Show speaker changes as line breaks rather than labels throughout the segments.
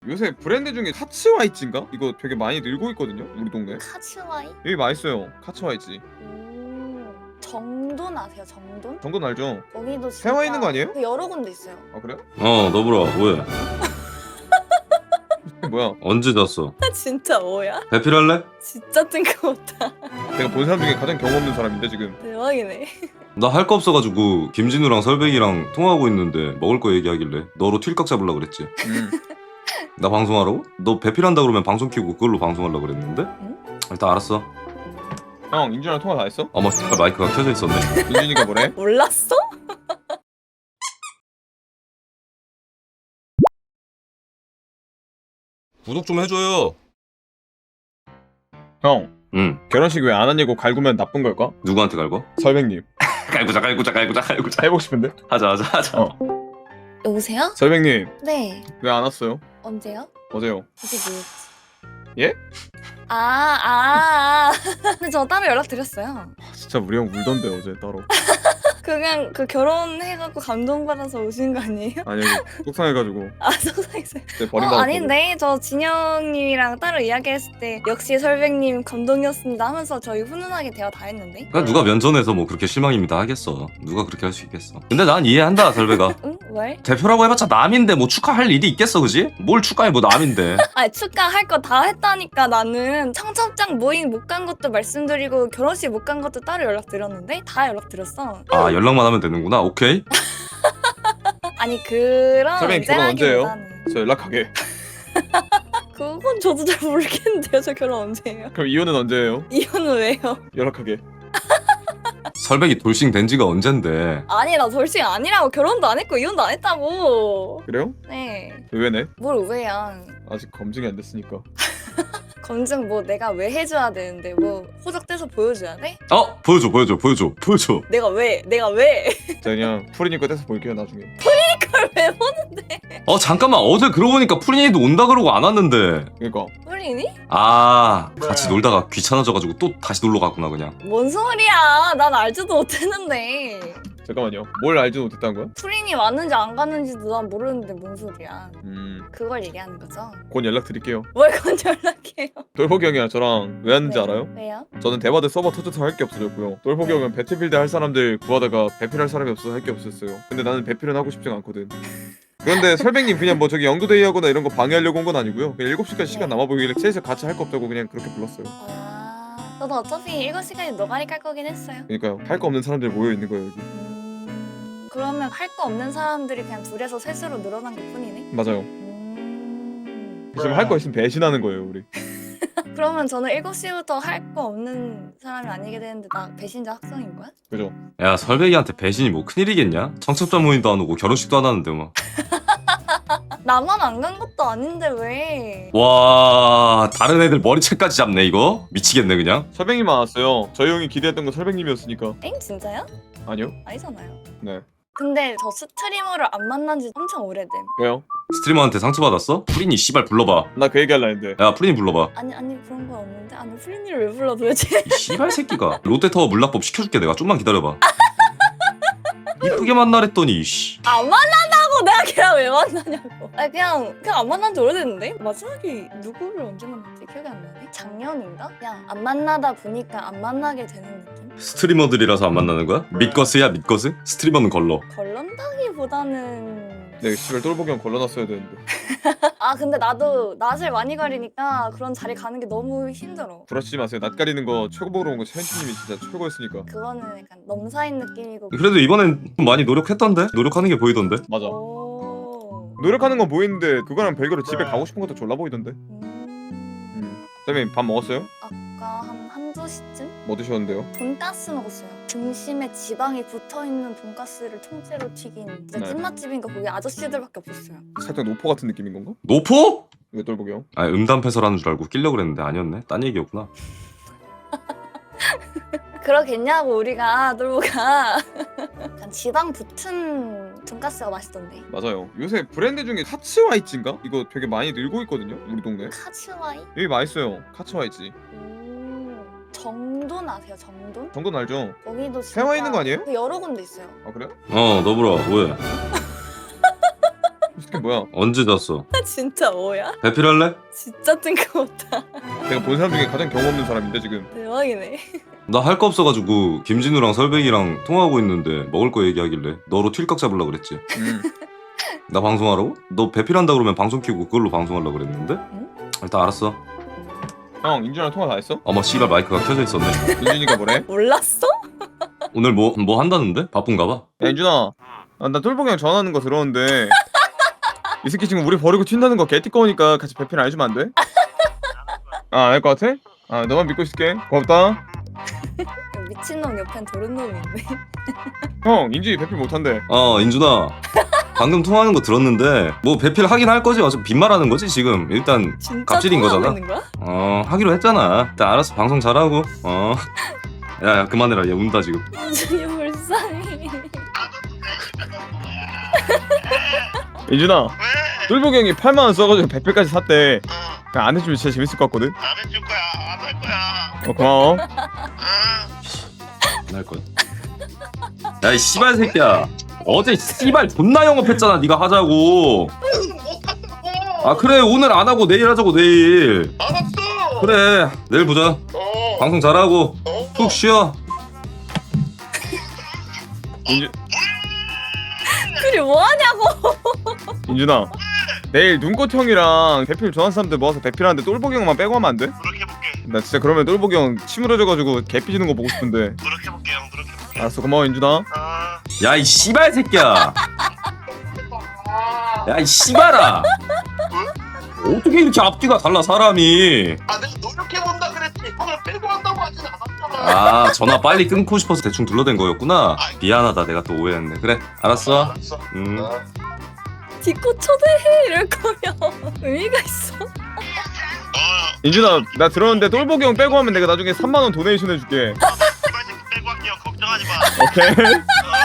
요새 브랜드 중에 카츠와이츠인가? 이거 되게 많이 늘고 있거든요 우리 동네.
카츠와이?
여기 맛있어요. 카츠와이츠.
정돈 아세요? 정돈?
정돈 알죠?
거기도 진짜
세워 있는 거 아니에요?
그 여러 군데 있어요.
아 그래요?
너브라 뭐해?
뭐야?
언제 잤어?
진짜 뭐야?
배필할래?
진짜 뜬금없다.
내가 본 사람 중에 가장 경험 없는 사람인데 지금.
대박이네.
나 할 거 없어가지고 김진우랑 설백이랑 통화하고 있는데 먹을 거 얘기하길래 너로 틸깍 잡으려 그랬지. 나 방송하라고? 너 배필한다 그러면 방송 키고 그걸로 방송하려고 그랬는데? 일단 알았어.
형 인준이랑 통화 다 했어?
어머 마이크가 켜져 있었네.
인준이가 뭐래?
몰랐어?
구독 좀 해줘요.
형
응.
결혼식 왜 안 하냐고 갈구면 나쁜 걸까?
누구한테 갈거?
설백님
갈구자.
해보고 싶은데?
하자.
어.
여보세요?
설백님
네.
왜 안 왔어요?
언제요?
어제요.
어제 뭐였지?
예?
근데 저 따로 연락드렸어요.
진짜 우리 형 울던데 어제 따로.
그냥 그 결혼해갖고 감동받아서 오신 거 아니에요?
아니 속상해가지고
속상했어요.
그때 버림받았거든.
아닌데 저 진영님이랑 따로 이야기했을 때 역시 설백님 감동이었습니다 하면서 저희 훈훈하게 대화 다 했는데.
그러니까 누가 면전에서 뭐 그렇게 실망입니다 하겠어. 누가 그렇게 할 수 있겠어. 근데 난 이해한다 설백아.
응? 왜?
대표라고 해봤자 남인데 뭐 축하할 일이 있겠어 그지? 뭘 축하해 뭐 남인데.
아니 축하할 거 다 했다니까. 나는 청첩장 모임 못 간 것도 말씀드리고 결혼식 못 간 것도 따로 연락드렸는데 다 연락드렸어.
아 연락만 하면 되는구나. 오케이.
아니 그런
설백님 결혼 언제예요?
언제라기보다는
저 연락하게.
그건 저도 잘 모르겠는데요. 저 결혼 언제예요?
그럼 이혼은 언제예요?
이혼은 왜요?
연락하게.
설백이 돌싱 된 지가 언젠데.
아니 나 돌싱 아니라고. 결혼도 안 했고 이혼도 안 했다고.
그래요?
네.
의외네.
뭘 왜야.
아직 검증이 안 됐으니까.
검증 뭐 내가 왜 해줘야 되는데 뭐 호적돼서 보여줘야 돼?
보여줘.
내가 왜?
자 그냥 프리님 거 떼서 볼게요 나중에.
그걸 왜 보는데?
잠깐만 어제 그러고 보니까 프린이도 온다 그러고 안 왔는데.
그러니까
프린이?
같이 놀다가 귀찮아져가지고 또 다시 놀러 갔구나 그냥.
뭔 소리야. 난 알지도 못했는데.
잠깐만요. 뭘 알지 못했다는 거야?
프린이 왔는지 안 갔는지도 난 모르는데 뭔 소리야. 그걸 얘기하는 거죠.
곧 연락 드릴게요.
뭘 건 연락해요.
똘보기 형이랑 저랑 왜 왔는지
네.
알아요?
왜요?
저는 대바드 서버 터져서 할 게 없어졌고요. 똘보기 형은 배틀필드 할 사람들 구하다가 배필할 사람이 없어서 할 게 없었어요. 근데 나는 배필은 하고 싶지가 않거든. 그런데 설백님 그냥 뭐 저기 영도데이 하거나 이런 거 방해하려고 온 건 아니고요. 그냥 7시까지 시간 남아 보이길래 셋이서 같이 할 거 없다고 그냥 그렇게 불렀어요.
저도 어차피 7시간에 노가리 깔 거긴 했어요.
그러니까요. 할 거 없는 사람들이 모여 있는 거예요 여기.
그러면 할 거 없는 사람들이 그냥 둘에서 셋으로 늘어난 것 뿐이네?
맞아요. 지금 할 거 있으면 배신하는 거예요 우리.
그러면 저는 7시부터 할 거 없는 사람이 아니게 되는데 나 배신자 확정인 거야?
그죠?
야 설백이한테 배신이 뭐 큰일이겠냐? 청첩장 모임도 안 오고 결혼식도 안 하는데 뭐.
나만 안 간 것도 아닌데 왜?
와 다른 애들 머리채까지 잡네 이거? 미치겠네 그냥.
설백님만 왔어요. 저희 형이 기대했던 건 설백님이었으니까.
엥? 진짜요?
아니요?
아니잖아요.
네.
근데 저 스트리머를 안 만난 지 엄청 오래됨.
왜요?
스트리머한테 상처받았어? 프린이 씨발 불러봐.
나 그 얘기 할라 했는데.
야 프린이 불러봐.
아니 그런 건 없는데. 아니 프린이를 왜 불러 도대체?
이 씨발 새끼가. 롯데타워 물납법 시켜줄게 내가. 좀만 기다려봐. 이쁘게 만나랬더니 씨.
안 만난다고 내가 걔랑 왜 만나냐고. 아니 그냥 안 만난 지 오래됐는데? 마지막에 누구를 언제 만났지? 기억이 안 나네? 작년인가? 그냥 안 만나다 보니까 안 만나게 되는 느낌?
스트리머들이라서 안 만나는 거야? 믿거스야 믿거스? 스트리머는 걸러.
걸런다기보다는
내가 씨발 똘보기 형 걸러놨어야 되는데.
근데 나도 낯을 많이 가리니까 그런 자리 가는 게 너무 힘들어.
부러치지 마세요. 낯 가리는 거 최고봉으로 온 거 샤인티님이 진짜 최고였으니까.
그거는 약간 넘사인 느낌이고.
그래도 이번엔 좀 많이 노력했던데? 노력하는 게 보이던데?
맞아.
오.
노력하는 건 보이는데 그거랑 별개로 집에 가고 싶은 것도 졸라 보이던데.
음.
선생님 밥 먹었어요?
아까 한두 시쯤?
뭐 드셨는데요?
돈가스 먹었어요. 중심에 지방이 붙어있는 돈가스를 통째로 튀긴 진짜
네.
찐맛집인가 거기 아저씨들밖에 없었어요.
살짝 노포 같은 느낌인 건가?
노포?
왜 똘보기 형?
음담패설하는 줄 알고 끼려고 그랬는데 아니었네. 딴 얘기였구나.
그러겠냐고 우리가 놀보가. 약간 지방 붙은 돈가스가 맛있던데.
맞아요. 요새 브랜드 중에 카츠와이츠인가? 이거 되게 많이 늘고 있거든요 우리 동네.
카츠와이?
여기 맛있어요. 카츠와이츠.
정돈 아세요? 정돈?
정돈 알죠?
거기도 진짜
세워 있는 거 아니에요?
그 여러 군데 있어요.
아 그래요?
너브라 뭐해?
그게 뭐야?
언제 잤어?
진짜 뭐야?
배필할래?
진짜 뜬금없다.
내가 본 사람 중에 가장 경험 없는 사람인데 지금.
대박이네.
나 할 거 없어가지고 김진우랑 설백이랑 통화하고 있는데 먹을 거 얘기하길래 너로 틸깍 잡으려 그랬지. 나 방송하라고? 너 배필한다 그러면 방송 켜고 그걸로 방송하려고 그랬는데? 일단 알았어.
형 인준이랑 통화 다 했어?
어머 씨발 마이크가 켜져 있었네.
인준이가 뭐래?
몰랐어?
오늘 뭐 한다는데? 바쁜가 봐.
야 인준아, 나 똘보기 형 전화하는 거 들었는데 이 새끼 지금 우리 버리고 튄다는 거 개띠꺼우니까 같이 배필 안 해주면 안 돼? 아, 안 할 것 같아? 아, 너만 믿고 있을게. 고맙다.
미친놈 옆엔 도른놈이 있네.
형 인준이 배필 못한대.
인준아. 방금 통화하는 거 들었는데 뭐 배필 하긴 할 거지. 어차피 빈말하는 거지 지금. 일단
진짜
갑질인
통화하고
거잖아.
있는 거야?
하기로 했잖아. 일단 알았어. 방송 잘하고. 야 그만해라. 얘 운다 지금.
인준이 불쌍해.
인준아, 똘보기 형이 8만 원 써가지고 배필까지 샀대. 그냥 안 해주면 진짜 재밌을 것 같거든.
안 해줄 거야. 안 할 거야.
고마워.
응.
안 할 거야. 야 이 씨발 새끼야. 어제 씨발 존나 영업했잖아. 네가 하자고.
못한다고.
아 그래 오늘 안 하고 내일 하자고 내일.
알았어.
그래 내일 보자. 방송 잘하고 푹 쉬어.
둘이 뭐하냐고.
인준아, 내일 눈꽃 형이랑 배필 좋아하는 사람들 모아서 배필하는데 똘보기 형만 빼고 하면 안 돼?
노력해볼게.
나 진짜 그러면 똘보기 형 치물어져가지고 개 삐지는 거 보고 싶은데.
노력해볼게 형. 노력해볼게.
알았어, 고마워 인준아.
야 이 씨발 새끼야. 야 이 씨발아. 어떻게 이렇게 앞뒤가 달라 사람이.
아 내가 노력해본다 그랬지. 형을 빼고 한다고 하진 않았잖아.
아 전화 빨리 끊고 싶어서 대충 둘러댄 거였구나. 미안하다 내가 또 오해했네. 그래 알았어.
알았어.
디코 초대해 이럴 거면 의미가 있어.
인준아, 나 들었는데 똘보기 형 빼고 하면 내가 나중에 3만 원 도네이션 해줄게.
씨발 새끼 빼고 할게요. 걱정하지 마.
오케이?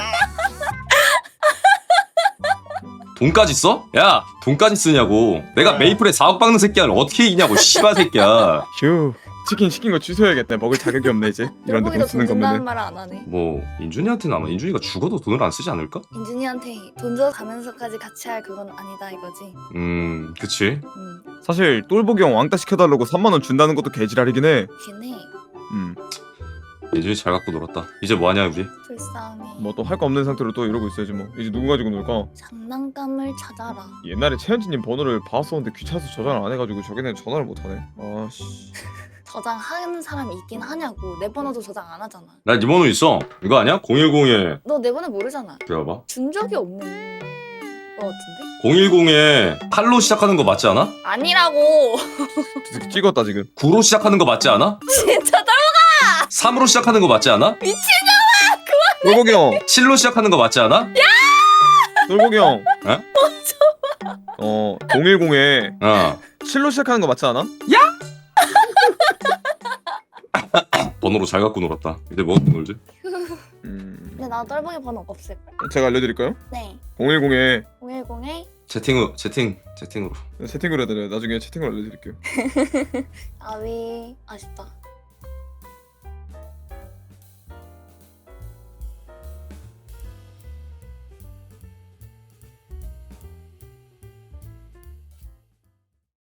돈까지 써? 야 돈까지 쓰냐고. 내가 메이플에 4억 박는 새끼야 어떻게 이기냐고 씨발 새끼야.
휴, 치킨 시킨 거 취소해야겠다. 먹을 자격이 없네 이제. 이런 데 돈
똘보기도
쓰는
돈 준다는
거면은.
말을 안 하네.
뭐 인준이한테는 아마 인준이가 죽어도 돈을 안 쓰지 않을까?
인준이한테 돈 줘 가면서까지 같이 할 그건 아니다 이거지.
그치.
사실 똘보기 형 왕따 시켜달라고 3만 원 준다는 것도 개지랄이긴 해.
걔네
인준이 잘 갖고 놀았다. 이제 뭐하냐 우리?
불쌍해.
뭐 또 할 거 없는 상태로 또 이러고 있어야지 뭐. 이제 누구 가지고 놀까?
장난감을 찾아라.
옛날에 최현진님 번호를 봤었는데 귀찮아서 저장을 안 해가지고 저기는 전화를 못 하네. 아씨.
저장하는 사람이 있긴 하냐고. 내 번호도 저장 안 하잖아.
나 네 번호 있어. 이거 아니야? 010에
너 내 번호 모르잖아.
기다려봐.
준 적이 없는 거 같은데?
010에 8로 시작하는 거 맞지 않아?
아니라고.
찍었다 지금.
9로 시작하는 거 맞지 않아?
진짜 다
3으로 시작하는 거 맞지 않아?
똘보기 형.
7로 시작하는 거 맞지 않아?
똘보기 형.
에?
010에
어.
7로 시작하는 거 맞지 않아?
번호로 잘 갖고 놀았다. 이제 뭐 갖고 놀지?
근데 나 똘보기 번호 없을걸?
제가 알려드릴까요?
네.
010에
010에
채팅으로.
채팅으로 해드려요. 나중에 채팅으로 알려드릴게요.
아위 아쉽다.